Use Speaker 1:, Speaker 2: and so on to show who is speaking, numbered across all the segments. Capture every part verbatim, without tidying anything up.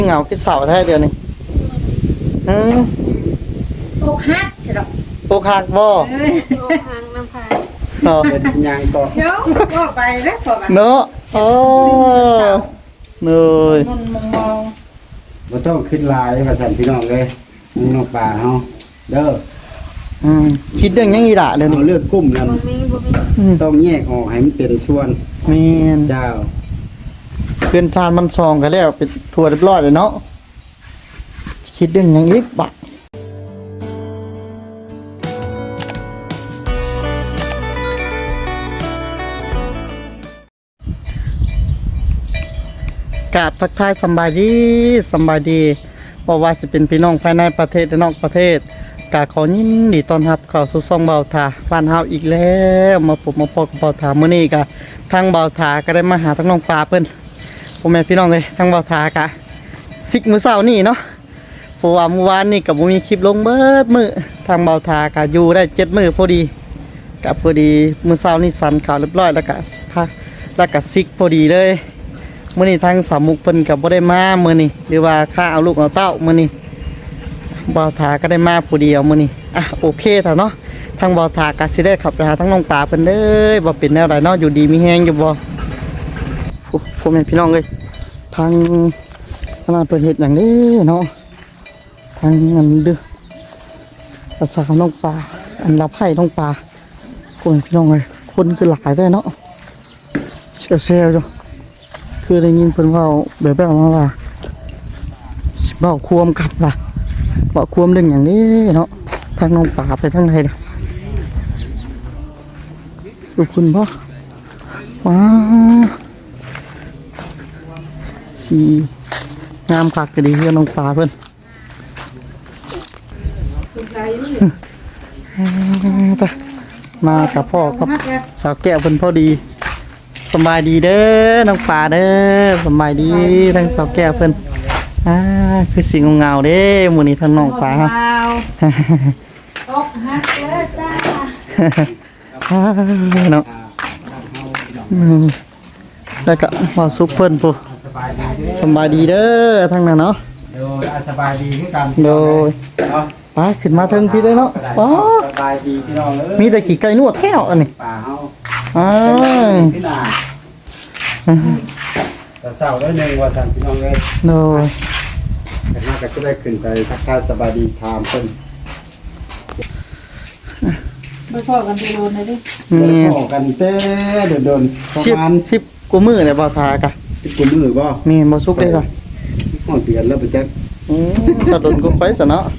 Speaker 1: เหงาคิดเสาแท้เดียวนี่อืม
Speaker 2: โอกหักเหรอ
Speaker 1: โปกหักบ่
Speaker 3: โอ้หางน้ำพาย
Speaker 1: เนาะ
Speaker 4: เป็นยังก็
Speaker 2: เดี๋ยวก็ไปแล้วพอไป
Speaker 1: เนาะโอ้เนย
Speaker 2: มันมองมอง
Speaker 4: บ่ต้องขึ้นลายว่าสั่นพี่น้องเลยมึงนอกป่าเฮาเด้อ
Speaker 1: อืมคิดเรื่องยังอีหละเดี๋ยว
Speaker 4: เอา
Speaker 1: นี้
Speaker 4: เลือกกุ้มนั่น
Speaker 3: บ่มีบ่มี
Speaker 1: อืม
Speaker 4: ต้องแยกออกให้มันเป็นส่วน
Speaker 1: แม่น
Speaker 4: เจ้า
Speaker 1: เพื่อนชาญมันซองกันแล้วเป็นทัวร์เรียบร้อยเลยเนาะคิดเรื่องยังอีกบะกราบทักทายสำบายดีสำบายดีบอกว่าจะเป็นพี่น้องภายในประเทศและนอกประเทศกาขอยินดีต้อนรับเข้าสู่ซ่องเบาถาบ้านเฮาอีกแล้วมาพบมาพบกับเบาถามื้อนี้กะทางเบาถาก็ได้มาหาทั้งน้องปลาเพิ่นพ่อแม่พี่น้องเลยทางเบาถากะซิกมื้อเช้านี่เนาะเพราะว่าเมื่อวานนี่ก็บ่มีคลิปลงเบิดมื้อทางเบาถากะอยู่ได้เจ็ดมื้อพอดีกะพอดีมื้อเช้านี่สันข่าวเรียบร้อยแล้วก็พักแล้วก็ซิกพอดีเลยมื้อนี้ทางสามมุกเพิ่นก็บ่ได้มามื้อนี้หรือว่าค่าเอาลูกเอาเต้ามื้อนี้บ่าวถาก็ได้มาผู้เดียวมื้อนี้อ่ะโอเคเถอะเนาะทางบ่าวถาก็สิได้ขับไปหาทั้งน้องปลาเพิ่นเด้อบ่เป็นแนวใดเนาะอยู่ดีมีแฮงอยู่บ่โอ้พ่อแม่พี่น้องเอ้ยทางขนาดเพิ่นเฮ็ดหยังนี้เนาะทางอันดื้อภาษาน้องปลาอันรับให้น้องปลาพ่อแม่พี่น้องเอ้ยคนคือหลายแท้เนาะเซลๆอยู่คือได้ยินเพิ่นเว้าแบบแบบมาว่าสิเว้าควมกันล่ะเว้าควมเรื่องอย่างนี้เนาะทางน้องป่าไปทางไหนเด้อดูคุณบ่ว้าสีงามคักก็ดีเพื่อนน้องป่าเพิ่น
Speaker 2: คุณใจนี่
Speaker 1: ไปมากับพ่อกับสาวแก้วเพิ่นพอดีสบายดีเด้อน้องป่าเด้อสบายดีทั้งสาวแก้วเพิ่นอ่าคือสีเงาๆเด้มื้อนี้ทั้งน้องป่า
Speaker 2: เปล่าโอกหักเลยจ้า
Speaker 1: เนาะอืมแล้วก็มาซุปเพิ่นผู้
Speaker 4: สบายดีเด้อ
Speaker 1: สบายดีเด้อทั้งนั้นเนาะ
Speaker 4: โดยอ่ะสบายดีคือกัน
Speaker 1: โดย
Speaker 4: เนาะ
Speaker 1: ไปขึ้นมาเทิงพี่ได้เนาะป๋อ
Speaker 4: สบายดีพี่น้องเอ้ย
Speaker 1: มีแต่ขี่ไก่นวดแท้อันนี้
Speaker 4: ป่าเฮา
Speaker 1: อ้า
Speaker 4: พี่นาแต่เศร้าได้หนึงว่าสั่นพี่น้องเอ้ย
Speaker 1: โดย
Speaker 4: แต่มาก็จะได้ขึ้นไปทักทายสบายดีถามเพิ่น
Speaker 2: ไปพ่อกันดูโดนเลยดิ
Speaker 1: มี
Speaker 4: ได้พอกันเต้โดนๆประ
Speaker 1: ชิบ
Speaker 4: มาณ
Speaker 1: ชิบกูมือเนี่ยบ่ทากะ
Speaker 4: สิบกว่ามื้อบ่
Speaker 1: มีบ่ซุกได้จ้ะ
Speaker 4: ห้องเดือนแล้วไปจัก
Speaker 1: อืมกระโดนกูไปซะเนาะ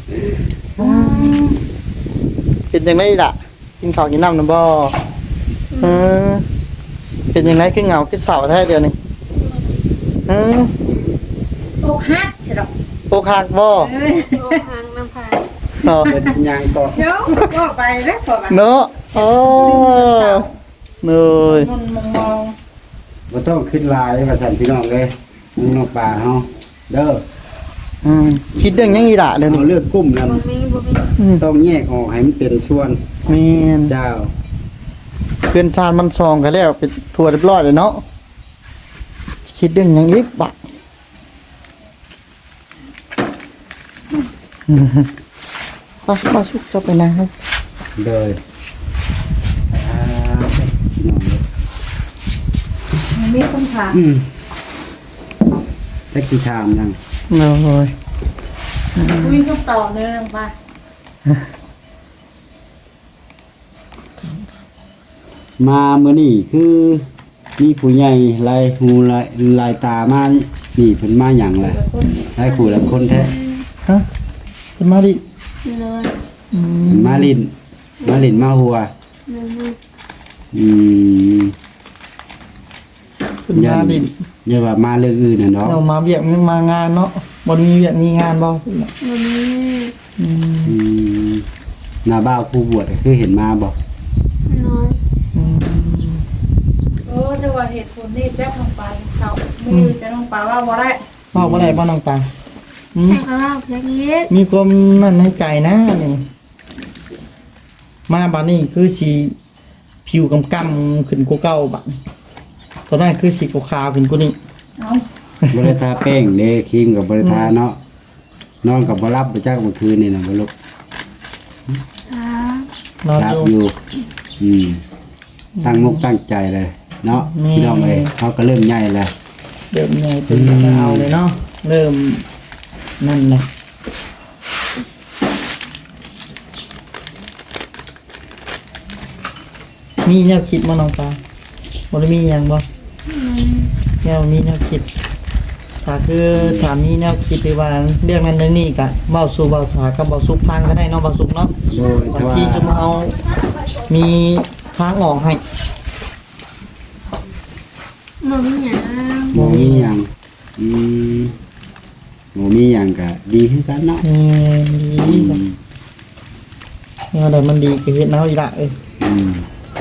Speaker 1: เป็นจังไดล่ะกินข้าวกินน้ำนำบ่เออเป็นจังไดคือเหงาคือเศร้าแท้เดียวนี่อืม
Speaker 2: โอกหักเหรอ
Speaker 1: โปกหักบ่
Speaker 3: โอ้หางน้ำพาย
Speaker 1: เนาะ
Speaker 4: เป็นยังก็
Speaker 2: เดี๋ยวก็ไปแล้วพอไป
Speaker 1: เนาะโอ้เนย
Speaker 2: มันมองมอง
Speaker 4: บ่ต้องขึ้นลายว่าสั่นพี่น้องเลยมึงนอกป่าเฮาเด้อ
Speaker 1: อืมคิดเรื่องยังอีหละเดี๋ยว
Speaker 4: เอา
Speaker 1: นี้
Speaker 4: เลือกกุ้มนั่น
Speaker 3: บ่มีบ่มี
Speaker 1: อืม
Speaker 4: ต้องแยกออกให้มันเป็นส่วน
Speaker 1: แม่น
Speaker 4: เจ้า
Speaker 1: เพื่อนชาญมันซองกันแล้วเป็นทัวร์เรียบร้อยเลยเนาะคิดเรื่องยังอีกบะอืมไปมาสุกจะไปนะครับ
Speaker 4: เลยอ่าพี่น้องเลย
Speaker 2: มันมีคนถาม
Speaker 4: อืมจักสิถามยัง
Speaker 1: โอ้ย
Speaker 2: มีคำตอบเนื่องไป
Speaker 4: มามื้อนี้คือมีผู้ใหญ่ลายหูลายลายตามานี่เพิ่นมาหยังแหละหลายผู้หลายคนแท้
Speaker 1: ฮะเป็นมาดิ
Speaker 3: เลย
Speaker 1: อืม
Speaker 4: เพิ่นมาลินมาลินมาหัว
Speaker 3: เลย
Speaker 4: อืม
Speaker 1: เป็นมาดิ
Speaker 4: อย่าว่ามาเรื่องอื่นน่ะเนาะ
Speaker 1: เรามาเบียกมันมางานเนาะบนมีเบียกมีงานบ่
Speaker 3: บ่มี
Speaker 1: อืม
Speaker 4: อืมหน้าบ้าวผู้บวชก็คือเห็นมาบ่
Speaker 3: น้อย
Speaker 1: อืม
Speaker 2: โอ้จะว่าเหตุผลนี่แป๊บลงไปเขามือจะลงไปว่าบ่ได้
Speaker 1: พ่อบ่ได้บ่น้องปังอืม
Speaker 3: ให้ข้าวเพียงนี้
Speaker 1: มีความนั่นในใจนะนี่มาบัดนี้คือสีผิวกำกำขึ้นกว่าเก่าบัดนี้ตอนนั้นคือสีขาวๆขึ้นกว่านี้
Speaker 2: เอา
Speaker 4: บริทาแป้งเด้ครีมกับบริทาเนาะนอนกับบ่รับไปจักเมื่อคืนนี่นะบ่ลูก
Speaker 3: ครับ
Speaker 1: นอน
Speaker 4: รั
Speaker 1: อบ
Speaker 4: อยู่ ยู่อืมตั้งมุกตั้งใจเลยเนาะ
Speaker 1: นี่
Speaker 4: พี่น้องเอ้ยเขาก็เริ่มใหญ่แล้ว
Speaker 1: เริ่มใหญ่เป็นเอาเลยเนาะเริ่มนั่นแหละมีแนวคิดบ่น้องปลาบ่ได้มีหยังบ่แนวมีแนวคิดถ้าคือถามมีแนวคิดหรือว่าเรื่องนั้นเรื่องนี้ก็เว้าสู่เว้าถากับเว้าสุกฟังก็ได้เนาะเว้าสุกเนาะ
Speaker 4: โดย
Speaker 1: บา
Speaker 4: แต่
Speaker 1: ง
Speaker 4: ว่า
Speaker 1: ทีจะมาเอามีทางออกให้
Speaker 3: บ่มีหยัง
Speaker 4: บ่มีหยังอืมบ่มีหยังก็ดีคือกันเนาะ
Speaker 1: นี่
Speaker 4: อื
Speaker 1: ดี
Speaker 4: ม
Speaker 1: เนี่ยอะไรมันดีก็เฮ็ดแนวอีละเอ้ย
Speaker 4: อืม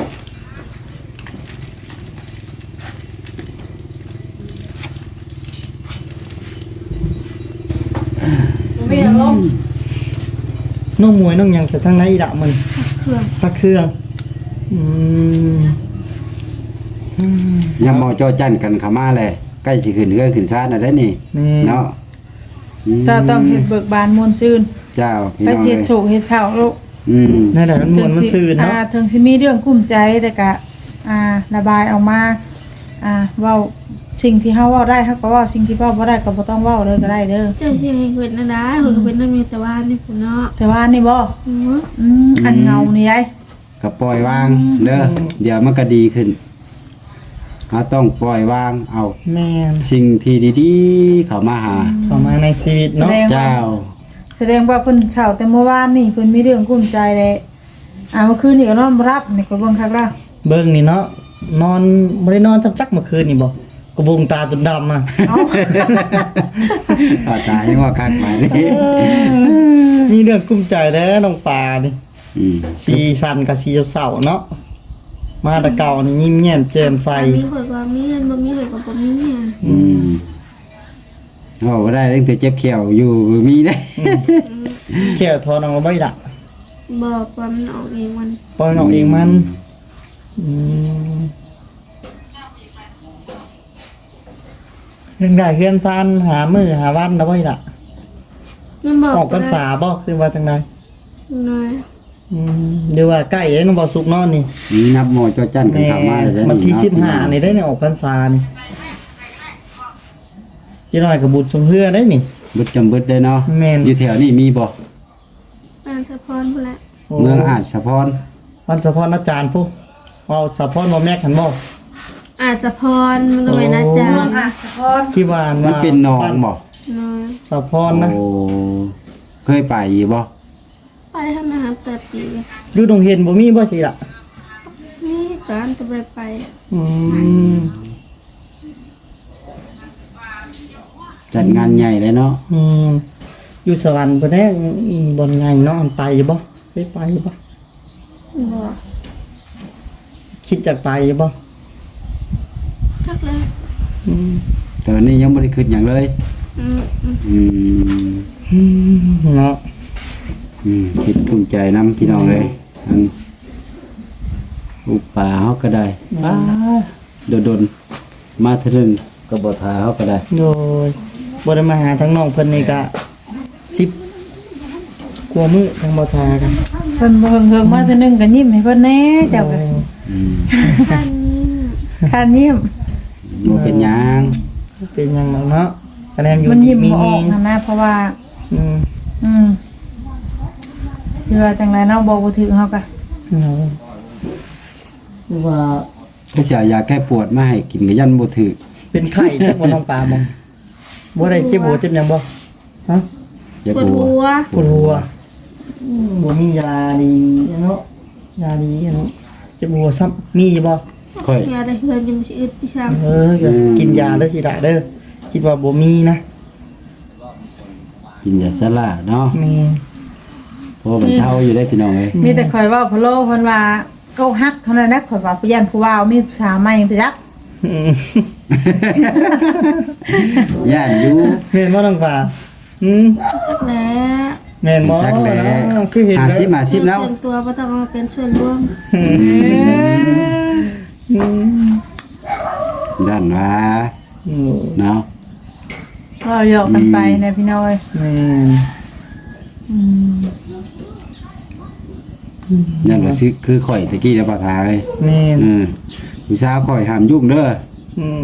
Speaker 2: มีอารมณ์
Speaker 1: น้องมวยน้องหยังแต่ทางไหนอีละมัน
Speaker 3: เครื่อง
Speaker 1: สักเครื่องอืมอืม
Speaker 4: ยามเมาจ้อจันกันเข้ามาเลยใกล้สิขึ้นเฮือนขึ้นศาลน่ะได้นี่
Speaker 1: นี่
Speaker 4: เนาะอืม
Speaker 2: เจ้าต้องเฮ็ดเบิกบานมวลชื่น
Speaker 4: เจ้าพี่
Speaker 2: ไป
Speaker 4: น้อง
Speaker 2: เสีย
Speaker 4: เอ้ย
Speaker 2: โศกเฮ็ดเศร้าลูก
Speaker 4: อืม
Speaker 1: นั่นแหละมันมวนมันซื่นเนาะ
Speaker 2: อ่าถึงสิมีเรื่องกุ้มใจแต่ก็อ่าระบายออกมาอ่าเว้าสิ่งที่เฮาเว้าได้เฮาก็เว้าสิ่งที่เว้าบ่ได้ก็บ่ต้องเว้าเลยก็ได้เด้อ
Speaker 3: เจ้าสิให้เพิ่นนั่นได้เพิ่นก็เป็นนั่นมีแต่ว่านี่พุ่นเนาะ
Speaker 2: แต่ว่านี่บ่
Speaker 3: อือ
Speaker 2: อืมอันเงานี่ยาย
Speaker 4: ก็ปล่อยวางเด้อเดี๋ยวมันก็ดีขึ้นเราต้องปล่อยวางเอา
Speaker 1: แม่น
Speaker 4: สิ่งที่ดีๆเข้ามาหา
Speaker 1: เข้ามาในชีวิต
Speaker 2: แส
Speaker 1: เนาะ
Speaker 2: ดงว่า
Speaker 4: เจ้า
Speaker 2: แสดงว่าเพิ่นเศร้าแต่เมื่อวานนี่เพิ่นมีเรื่องกุ้มใจแหละอ่าเมื่อคืนนี่ก็นอนบ่รับนี่ก็เบิ่งคักแล้ว
Speaker 1: เบิ่งนี่เนาะนอนบ่ได้นอนจักๆเมื่อคืนนี่บ่กระบุงตาจนดำอ่ะ
Speaker 2: เอ้า
Speaker 4: อาตายยังว่าคักไปนี่
Speaker 1: มีเรื่องกุ้มใจแล้วน้องปลานี่
Speaker 4: อืม
Speaker 1: สีสันกับสีเศร้าๆเนาะมาแตะเก่านี่ยิ้มแย้มแจ่มใส
Speaker 3: มีข่อยก็มีเงินบ่มีข่อยก็บ่มีเงิน
Speaker 4: อืมโอ้บ่ได้ตั้งแต่เจ็บเขียวอยู่มีได้
Speaker 1: เขี่ยวทอนเอาไว้ละ
Speaker 3: บอกว่ามันออกเองมัน
Speaker 1: ปล่อยน้องเองมันอืมเรื่องได้เฮือนซานหามือหาวันเอาไว้ละ
Speaker 3: มันบอก
Speaker 1: ออกพรรษาบ่คือว่าจังได
Speaker 3: น้อย
Speaker 1: อืมเดี๋ยวว่าใกล้แล้วน้องบ่สุกเนอนนี่
Speaker 4: นี่นับหมอจอจันกัน
Speaker 1: แม่
Speaker 4: เข้ามาเลยเด้อ
Speaker 1: วันที่
Speaker 4: เาะ
Speaker 1: สิบห้านี่ได้เนี่ยออกพรรษานี่จีน้อยกับบุตรสมเพื่อได้นี่
Speaker 4: บึดจำบึดได้เนาะ
Speaker 1: แม่น
Speaker 4: อยู่แถวนี้มีบ่
Speaker 3: บ้านสะพรพุ่นแหละ
Speaker 4: เมืองอาจสะพร
Speaker 1: วันสะพรอาจารย์ผู้เอาสะพรบ่แม่ขันบ่
Speaker 3: อาจสะพรมันก็เป็นอาจาร
Speaker 2: เมือง
Speaker 3: ย์
Speaker 2: อ่ะสะพร
Speaker 1: กี่วาน
Speaker 4: มัน
Speaker 1: ว่า
Speaker 4: เป็นหนองบ่
Speaker 3: น้อย
Speaker 1: สะพรนะ
Speaker 4: โอ้เคยไปอยู่บ่
Speaker 3: ไปทำอาหารแต่ปี
Speaker 1: อยู่ตรงเห็นบ่มีบ่สิล่ะ
Speaker 3: มีการจะไปไป
Speaker 1: อืม
Speaker 4: จัดงานใหญ่เลยเนาะ
Speaker 1: อืมอยู่สวรรค์บ่ได้อีบ่ไงเนาะอันไปอยู่บ่ไปไปอยู่บ่
Speaker 3: บอก
Speaker 1: คิดจะไปอยู่บ่
Speaker 3: จักเลย
Speaker 1: อืม
Speaker 4: แต่วันนี้ยังบ่ได้คิดหยังเลย
Speaker 3: อืมอืม
Speaker 4: อืม
Speaker 1: อืมเนาะ
Speaker 4: อืมคิดคุ้มใจนํพี่น้องเลยอันอุปาเฮาก็ได้ป้าโดนๆมาเทอนึงก็บ่ทาเฮาก็ได้
Speaker 1: โดยบ่ได้มาหาทั้งน้องเพิ่นนี่ก็สิบกว่ามื้อทางบ่ทากัน
Speaker 2: เพิ่นบ่เฮิงๆมาเทื่อนึงก็ยิ้มให้เพิ่นแหน่เจ้าก็
Speaker 4: อืม
Speaker 3: ท่านนี้
Speaker 2: คานยิ้ม
Speaker 4: บ่เป็นหยัง
Speaker 1: เป็นหยังแล้วเนาะคะแนนอยู่
Speaker 2: มันยิ้ม
Speaker 1: มี
Speaker 2: บ่อ
Speaker 1: เฮ
Speaker 2: อก
Speaker 1: ง
Speaker 2: นะนะเพราะว่า
Speaker 1: อืม
Speaker 2: อืมคือว่าจังไรเนาะบ่บ่ถึงเฮาก็
Speaker 1: เนาะว่า
Speaker 4: ก็สิเอายาแก้ปวดมาให้กินก็ยันบ่ถึก
Speaker 1: เป็นไข้จักบ่น้องปลาบ่บ่ได้เจ็บหัวเจ็บหยังบ่ฮะ
Speaker 4: อย่า
Speaker 3: ปวด
Speaker 4: กลัว
Speaker 3: หัว
Speaker 1: ปวดหัวอืมบ่มียาดีเนาะยาดีเนาะเจ็บหัวซ้ำมีบ่
Speaker 4: ค่อย
Speaker 3: ยาได้เฮือนจะมีชีวิตพี่ช้าง
Speaker 1: เออก็กินยาเด้อสิดาเด้อคิดว่าบ่มีนะ
Speaker 4: กินยาสลาเนาะ
Speaker 1: มี
Speaker 4: เพราะมันเท่าอยู่ได้พี่น้องเอ้ย
Speaker 2: มีแต่ข่อยเว้าพะโลเพิ่นว่าเก้าฮักเท่านั้นนะข่อยว่าผู้ยันผู้ว่าวมีผู้สาวใหม่ไปจัก
Speaker 1: อืม
Speaker 4: ย่านอยู่
Speaker 1: แม่นบ่น้องปลาอืม
Speaker 3: จักแหล้
Speaker 1: แม่นบ่
Speaker 4: จักแหล้
Speaker 1: คือเห็น
Speaker 4: หา
Speaker 1: แล้ว
Speaker 4: สิมาสิบแล้ว
Speaker 3: ส่วนตัวบ่ต้องเอาเป็นส่วนรวม
Speaker 1: อืม
Speaker 4: ด้านว่า
Speaker 1: อืม
Speaker 4: เนาะ
Speaker 2: ก็หยอกกันไปนะพี่น้อย
Speaker 1: แม่น
Speaker 2: อืม
Speaker 4: นั่นว่าสิคือข่อยตะกี้แล้วบ่ทาเอ้ย
Speaker 1: แม่น
Speaker 4: อืมผู้สาวข่อยห้ามยุ่งเด้อ
Speaker 1: อืม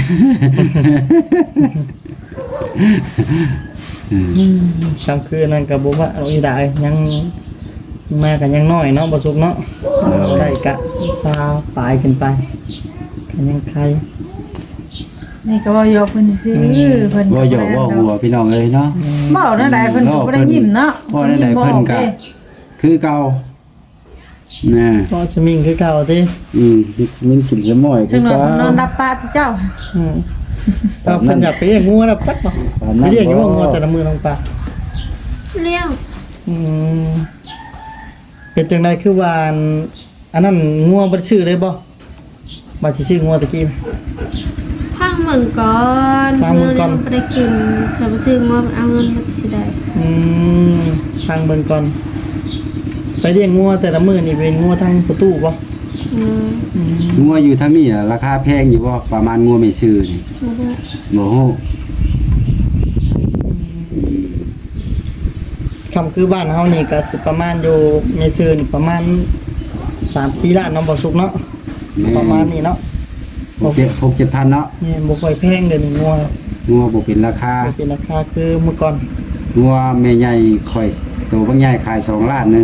Speaker 1: คำคืนนั้นก็บ่ว่าเอาอีได้ยังมากันยังน้อยเนาะบ่สุกเนาะได้กะซาวปลายขึ้นไปกันยังใคร
Speaker 2: นี่ก็ว่าหยอกเพิ่นซื่อเพิ่น
Speaker 4: ว่าหยอกว่าหัวพี่น้องเอ้ยเนาะ
Speaker 2: เว้านั่นใดเพิ่นก็บ่ได้ยิ้มเนาะ
Speaker 4: ว่านั่นใดเพิ่นก็คือเก่านะ
Speaker 1: ก็สมิงคือเก่าติ
Speaker 4: อืมมันกินสมอยคื
Speaker 2: จั
Speaker 4: อง
Speaker 2: หวะ
Speaker 4: เก่า
Speaker 2: เพิ่นนอนรับปลาที่เจ้า
Speaker 1: อืมเอาเพิ่นอยากไปเลี้ยงงูรับจักบ่ไปเลี้ยงอยู่ว่างูแต่ละมือลงปลา
Speaker 3: เลี้ยง
Speaker 1: อืมเป็นจังไดคือว่าอันอันนั้นงัวบ่ได้ชื่อเลยบ่บ่สิชื่องัวตะกี้
Speaker 3: พังเมืองก่อน
Speaker 1: พังเมืองก่อน
Speaker 3: ไปได้กินสมชื่อว่ามันเอาเงินมาสิได้
Speaker 1: อืมทางเบิ่งก่อน ไปเลี้ยงงัวแต่ละมื้อนี่เป็นงัวทางประตูบ่
Speaker 3: อืม
Speaker 4: งัวอยู่ทางนี้น่ะราคาแพงอยู่บ่ประมาณงัวไม่ซื้อนี่
Speaker 3: บ่ฮู้
Speaker 4: บ่ฮู้
Speaker 1: คำคือบ้านเฮานี่ก็สิประมาณอยู่ในซื่อนี่ประมาณสามสี่ล้านเนาะบ่สุกเนาะประมาณนี้เนาะ
Speaker 4: หกเจ็ดหกเจ็ดพันเนาะ
Speaker 1: นี่บ่ค่อยแพงเดี๋ยวนี้งัว
Speaker 4: งัวบ่เป็นราคา
Speaker 1: บ่เป็นราคาคือเมื่อก่อน
Speaker 4: งัวแม่ใหญ่ข่อยตัวบางใหญ่ขายสองล้านหนึง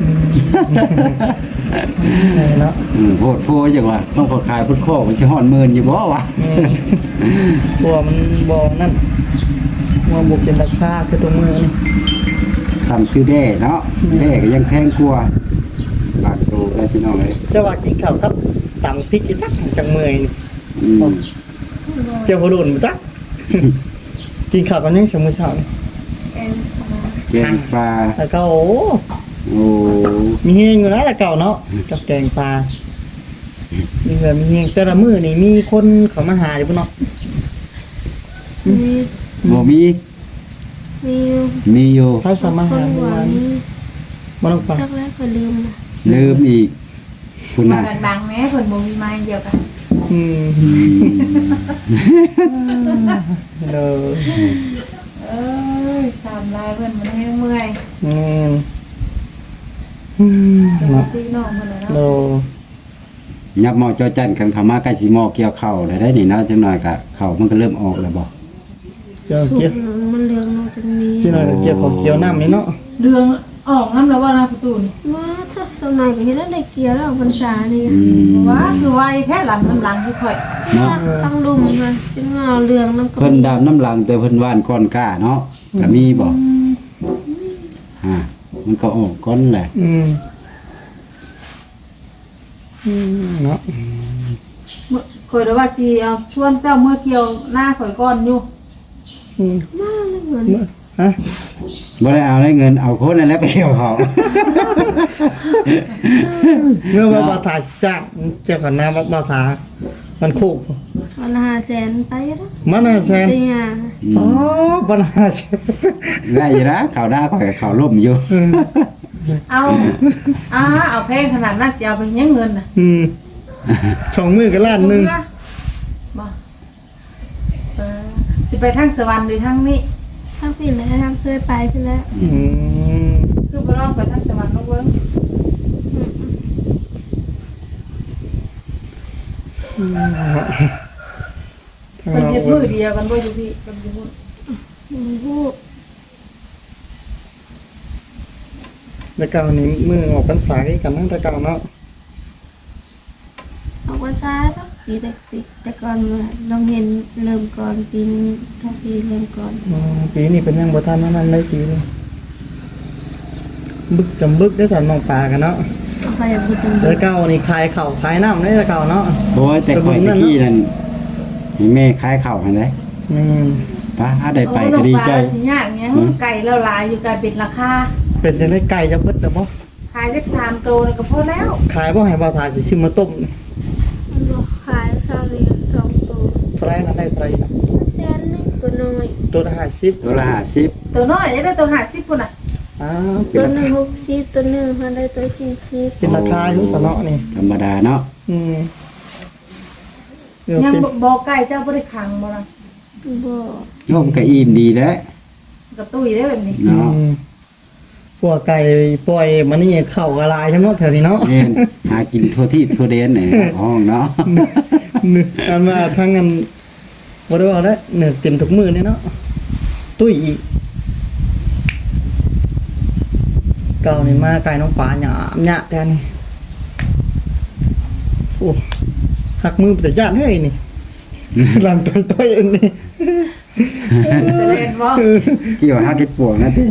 Speaker 1: นี่เนาะ
Speaker 4: อืมโพดโพจังว่าต้องขอขายพุทธโคมันสิฮอดหมื่นอยู่บ่วะ
Speaker 1: อืมตัวมันบ่นั่นงัวบ่เป็นราคาคือตัวมือนี่
Speaker 4: ซ้ำซื้อแบ่เนาะแบ่ก็ยังแพงกว่าบาทโตได้พี่น้องเอ้ย
Speaker 1: จะว่ากินข้าวครับตำพริกอีจักจังเมื่อยนี่
Speaker 4: อืม
Speaker 1: เจ้าบ่โดนบ่จัก กินข้าวกันยังสมื้อเช้านี่
Speaker 4: แกงปลา
Speaker 1: แล้วก็โอ้
Speaker 4: โอ้
Speaker 1: มีเฮงอยู่นะแต่เก่าเนาะกับแกงปลา มีแบบมีเฮงแต่ละมื้อนี่มีคนเขามาหาอยู่บ่เนาะ
Speaker 3: มี
Speaker 4: บ่มี
Speaker 3: มีอยู่
Speaker 4: มีอยู่
Speaker 1: ใครสามารถ
Speaker 3: ค
Speaker 1: หาน
Speaker 3: ห
Speaker 1: เมื่อ
Speaker 3: วั
Speaker 1: วาง น
Speaker 3: นี้
Speaker 1: บ่ต้องไป
Speaker 3: จักแล้วก็ลืมนะ
Speaker 4: ลืมอีกคุณ
Speaker 2: มา
Speaker 4: น่ะ
Speaker 2: ดังๆแหม่เพิ่นบ่มีไม้เดียวกัน
Speaker 1: อืม
Speaker 4: อืม
Speaker 1: เด้อ
Speaker 2: เอ้ยตามลายเพิ่นมันให้เมื่อย
Speaker 1: อืมอืม
Speaker 2: ปก
Speaker 1: เนาะ
Speaker 2: ติน้องเพิ่นน่ะ
Speaker 1: โด
Speaker 2: เนาะ
Speaker 4: ยับหม้อจอจันกันเข้ามาใกล้สิหม้อเกี่ยวข้าวได้ได้นี่เนาะจังหน่อยก็ข้าวมันก็เริ่มออกแล้วบ่
Speaker 1: เกี่ยว
Speaker 3: สุ
Speaker 1: เกี่ยว
Speaker 3: กมันเรืองมาตรงนี้
Speaker 1: ที่หน่อยเกี่ยวของเกี่ยวน้ำนี่เนาะ
Speaker 2: เรื่องออกน้ำแล้วว่านะประตูนี่
Speaker 3: ว่าสักสมัยก็เฮ็ดได้เกี่ยวแล้วพรรษานี่
Speaker 4: อืม
Speaker 2: ว่าคือไวแท้หลังน้ำหลังสิค่อย
Speaker 4: เนาะ
Speaker 3: ต้องดุมมันจึงเอาเรืองมันก็
Speaker 4: เพิ่นดามน้ำหลังแต่เพิ่นว่านก้อนกล้าเนาะก็มีบ่ฮะมันก็ออกก้อนแหละ
Speaker 1: อืมอืมเนาะ
Speaker 2: เมื่อข่อยได้ว่าสิเอาชวนเจ้าเมื่อเกี่ยวหน้าข่อยก่อนอยู่
Speaker 1: อืม
Speaker 3: มาเลยเหมือน
Speaker 1: ฮะ
Speaker 4: บ่ได้เอาได้เงินเอาคนนั่นแหละไปเกี่ยวเขา
Speaker 1: เมื่อว่าบาทาจ้างเจ้าของน้ำวัดบาทามันคู่
Speaker 3: วันละห้าแสนไปแล้ว
Speaker 1: มันน่าแซน
Speaker 3: เตีย
Speaker 1: อ๋อบาทาแซน
Speaker 4: ได้อยู่นะข่าวหน้าข่อยกับข่าวล่มอยู่
Speaker 2: เอาอ่าเอาแพงขนาดนั้นสิเอาไปเฮ็ดเงินน่ะ
Speaker 1: อืมช่องมือก็ล้านหนึง
Speaker 2: บ่เออสิไปทางสวรรค์หรือทางนี้
Speaker 3: ทางผิดแล้วทางเคยไปไปแล้ว
Speaker 1: อืม
Speaker 2: คือบ่ลองไปทางสวรรค์ลองเบิ่ง
Speaker 1: ทาง
Speaker 2: เพิ่น
Speaker 1: เรา
Speaker 2: เฮ็ดมือเดียวกันบ่อยู่พี่เพิ่นอยู่พุ่น
Speaker 3: ผู้
Speaker 1: แต่เก่านี่มือออกพรรษาคือกันตั้งแต่เก่าเนาะ
Speaker 3: ออกวันซ้ายปะปีแต่ปีแต่ก่อนเราเห็นเริ่มก่อนปีนทางปีเริ่มก่อน
Speaker 1: อืมปีนี้เป็นยังบ่ทันนั่นได้ปีนี้บึกจำบึกได้สันน้องปลากันเนาะ
Speaker 3: เอาไปอย่างพูดตรง
Speaker 1: แต่เก่านี่ขายข้าวขายน้ำได้แต่เก่าเนาะ
Speaker 4: โอ้ยแต่ข่อยตะกี้นั่นให้แม่ขายข้าวให้ได้
Speaker 1: อืม
Speaker 4: ป้าได้ไปก็ดีใจ
Speaker 2: โอ้น้องปลาสิยากหยังไก่แล้วหลายอยู่ไก่เป็นราคา
Speaker 1: เป็นจังได้ไก่จะเบิดเด้อบ่
Speaker 2: ขายสักสามโตวนี่ก็พอแล้ว
Speaker 1: ขายบ่ให้บ่าวทาสิซื้อมาต้มนี่
Speaker 3: มันบอกขายซาเลียสองตัว
Speaker 1: เท่าไหร่นะได้เท่าไหร่นะ
Speaker 3: แสนหนึงตัวน้อย
Speaker 1: ตัวละห้าสิบ
Speaker 4: ตัวละห้าสิบ
Speaker 2: ตัวน้อยยังได้ตัวห้าสิบพุ่นน่ะ
Speaker 1: อ้าวเป็
Speaker 3: ตั
Speaker 1: น
Speaker 3: ว
Speaker 1: รา
Speaker 3: หนึ่
Speaker 1: คาง
Speaker 3: หกสิบตัวหนึ่งพันได้ตัวสี่สิบ
Speaker 1: เป็นราคาอยู่ซะเนาะนี่
Speaker 4: ธรรมดาเนาะ
Speaker 1: อืมเออ
Speaker 2: ยัง
Speaker 1: เป็น
Speaker 2: บ่ไก่เจ้าบ่ได้ขังบ่ล่ะ
Speaker 3: บ่
Speaker 4: โยมก็อิ่มดีแล้ว
Speaker 2: กระตุ้ยได้แบบนี้
Speaker 4: เนาะ
Speaker 1: อืมพวกไก่ปล่อยมานี่เข้ากระลายใช่ไหมแถวนี้เนาะ
Speaker 4: แม่นหากินทั่วที่ทั่วแดนนี่ห้องเนาะ
Speaker 1: นึกอันมาทั้งอันบ่ได้ว่าได้เนื้อเต็มทุกมื้อนี่เนาะตุ้ยอีกเก่านี่มาไก่น้องปลาหยามหยะแทนนี่โอ้หักมือแต่ญาติเฮ้ยนี่ หลังต่อยๆอันนี้
Speaker 2: จะเล่นบ่
Speaker 4: กี่ว่าหาเก็ดปวกนะติ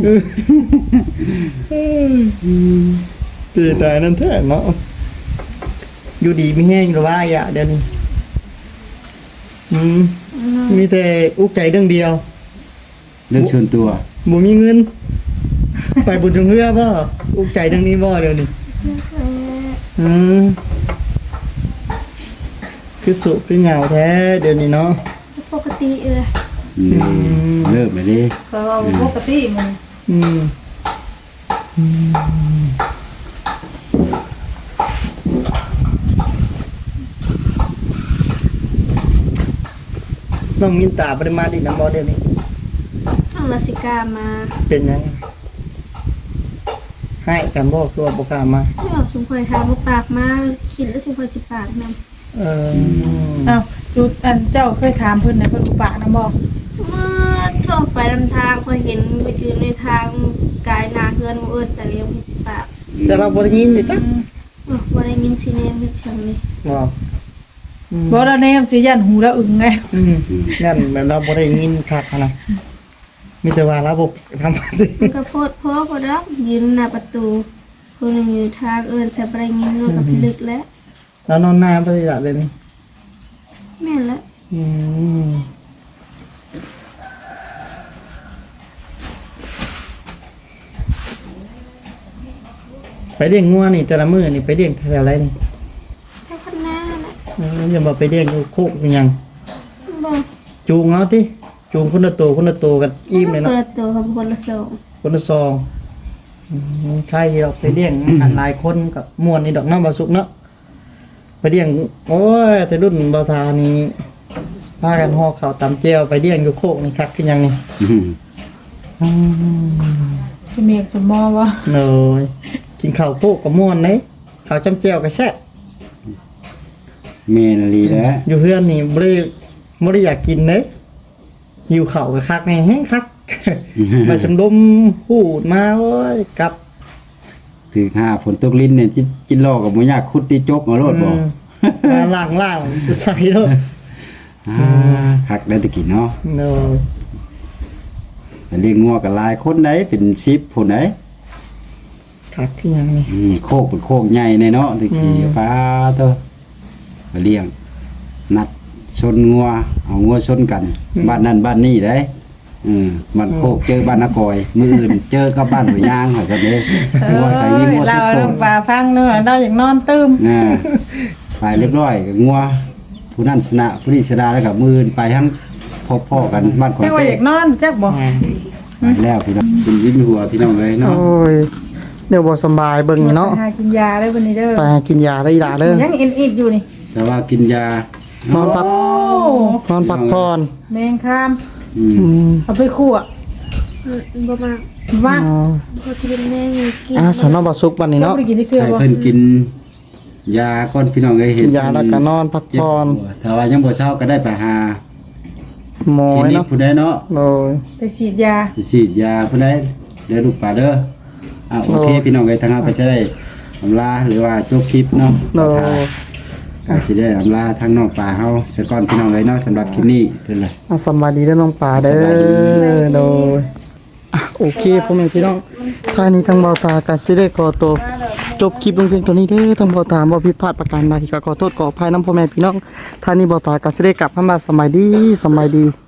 Speaker 1: ตีใจนั่นแท้เนาะอยู่ดีไม่แห้งหรือว่าอย่าเดี๋ยวนี้อืมมีแต่อุกใจเรื่องเดียว
Speaker 4: เรื่องส่วนตัว
Speaker 1: บ่มีเงิน ไปบุญจงเฮือบ่อุกใจเรื่องนี้บ่เดี๋ยวนี้อืมคือสุคือเหงาแท้เดี๋ยวนี้เนาะ
Speaker 3: ปกติเออ
Speaker 4: อืมเลิกไปดิ
Speaker 2: ก็ว่าปกติมัน
Speaker 1: อืมอืมน้องมินตาปริมาดีน้ำบ่เดี๋ยวนี้
Speaker 3: เอาลาสิกามา
Speaker 1: เป็นยังให้กันบ่คือว่าบ่กล้ามา
Speaker 3: ไม่ออกชุมพลทางบ่ปากมาคิดแล้วชุมพลสิปากนำ
Speaker 1: เออ
Speaker 2: อ้าวจุดอันเจ้าเคยถามเพิ่นนะเพิ่นอุปะนะบ่
Speaker 3: เมื่อท่องไปนำทางพอเห็นไปยืนในทางกายนาเฮือนบ่เอิ้นใส่เลี้ยงสิปาก
Speaker 1: จะเราบ่ได้ยินดิจ้ะ
Speaker 3: อ๋อบ่ได้ยินสิเนมเสียงนี่
Speaker 1: บ่อืม
Speaker 2: บ่แล้วแนมสิยันหูแล้วอึ้งไง
Speaker 1: อืมนั่นแบบเราบ่ได้ยินคักหั้นนะมีแต่ว่าระบบทำอะไร
Speaker 3: มันก็โพดโพบ่ดอกยืนหน้าประตูคนหนึงอยู่ทางเอิ้นใส่บ่ได้ยินมันก็พิลึกแล้ว
Speaker 1: แล้วนอนหน้าบ่ได้ละเลยนี่
Speaker 3: แม่นแล้ว
Speaker 1: อืมไปเลี้ยงงัวนี่แต่ละมื้อนี่ไปเลี้ยงแถวไรนี่
Speaker 3: ถ้าข้างหน้าน่ะ
Speaker 1: เอออย่ามาไปเลี้ยงอยู่โคกอยู่หยัง
Speaker 3: บ่
Speaker 1: จูงเอาติจูงคนละตัวคนละตัวกันอิ่มเลย
Speaker 3: ค
Speaker 1: เนาะ
Speaker 3: นละตัวกับคนละสอง
Speaker 1: คนละซองอืมใช่เราไปเลี้ยง อันหลายคนกับมวนนี่ดอกน้ำบาสุกเนาะไปเลี้ยงโอ้ยแต่รุ่นบาทานี่พากันห่อข้าวตำเจียวไปเลี้ยงอยู่โคกนี่คักขึ้นยังนี่
Speaker 4: อืม
Speaker 1: อืม
Speaker 2: สิเมกสมมอบ่
Speaker 1: เลยกินข้าวโคกกับม่วนเลยข้าวจำเจียวก็แซ่บ
Speaker 4: เมนลีแล้ว
Speaker 1: อยู่เพื่อนนี่บ่ได้บ่ได้อยากกินเลยหิวข้าวก็คักแน่แฮงคัก มาชมดมพูดมาโอ้ยกลับ
Speaker 4: ถึงห้าฝนตกลิ้นเนี่ยจิจินลอกกับบ่ยากคุดตีจกเอาโลดบ่
Speaker 1: อืมมาล่างล่างจะใส่แล้ว
Speaker 4: อ่าคักได้แตะกี้เนาะ
Speaker 1: เนาะ
Speaker 4: ไปเลี้ยงงัวกับหลายคนไหนเป็นสิบผู้ไหน
Speaker 1: คักขึ้นยังนี่
Speaker 4: อืมโคกเป็นโคกใหญ่ในเนาะตะกี้
Speaker 1: อืม
Speaker 4: ฟ้าเถอะไปเลี้ยง นัดชนงัวเอางัวชนกัน บ้านนั้นบ้านนี้ได้อืมบ้านโคกเจอบ้านนากอย มืออื่นเจอกับบ้านหัวยยางเขาซะเด้งัวไก่มีงัว
Speaker 2: เรา
Speaker 4: ทุกตัว
Speaker 2: ลงป่าพังเนาะเราอย่างนอนตื้ม
Speaker 4: อ่าไปเรียบร้อยก็งัวผู้นั้นชนะผู้นี้ชนะแล้วก็มืออื่นไปทั้งพ่อๆกันบ้านของ
Speaker 2: แค่ว่า
Speaker 4: เต้
Speaker 2: อยากนอนจักบ่
Speaker 4: ไปแล้วพี่น้องเป็นยิ้มหัวพี่น้องเลยเนาะ
Speaker 1: โอ้ยเดี๋ยวบ่สำบายเบิ่งนี่เนาะ
Speaker 2: หากินยาได้วันนี้เด้อ
Speaker 1: ไปกินยาได้อีหล่าเด้อ
Speaker 2: ยังเอ็นอีดอยู่นี่
Speaker 4: แต่ว่ากินยา
Speaker 1: นอนพัก
Speaker 2: โอ้
Speaker 1: นอนพักผ่อน
Speaker 2: แมงคาม
Speaker 4: อืม
Speaker 1: อืม
Speaker 2: เอาไปคั่ว
Speaker 3: บ่มาก
Speaker 2: ว่าง
Speaker 1: อ๋อ
Speaker 3: บ่ที่เป็นแม่อยู่กิน
Speaker 1: อ่าสำนบ่สุกบัดนี้
Speaker 2: เนาะ
Speaker 1: เนาะ
Speaker 2: บ่ได้กินที่เครือ
Speaker 4: ให้
Speaker 2: บ่
Speaker 4: เพิ่นกินยาก่อนพี่น้องเอ้ยเห็
Speaker 1: กิ
Speaker 4: น
Speaker 1: นยาแล้วก็นอนพัก
Speaker 4: เจ็บ
Speaker 1: ผ่อน
Speaker 4: หัวถ้าว่ายังบ่เช้าก็ได้ไปหา
Speaker 1: หมอ
Speaker 4: คลินิก
Speaker 1: เนาะ
Speaker 4: ผู้ใดเนาะ
Speaker 1: โอ้ย
Speaker 2: ไปฉีดยา
Speaker 4: ไปฉีดยาผู้ใดเด้อลูกป่าเด้ออ่ะโอเค
Speaker 1: โอ้
Speaker 4: พี่น้องเอ้ยทางเราก็จะได้อำลาหรือว่าจบคลิปเนาะ
Speaker 1: โอ้
Speaker 4: ก็สิได้อำลาทางน้องป่าเฮาซะก่อนพี่น้องเอ้ยเนาะสำหรับคลิปนี้เพิ่นเลย
Speaker 1: อ่ะสำบายดีเด้อน้องปลาเด้
Speaker 4: สบายดี
Speaker 1: อโดยอ่ะโอเคพ่อแม่พี่น้องท่านี้ทางเบาตาก็สิได้ขอตัวจบคลิปลงเพียงเท่านี้เด้อทางเบาตาบ่ผิดพลาดประการใดก็ขอโทษขออภัยนำพ่อแม่พี่น้องท่านี้เบาตาก็สิได้กลับเข้ามาสำบายดีสำบายดี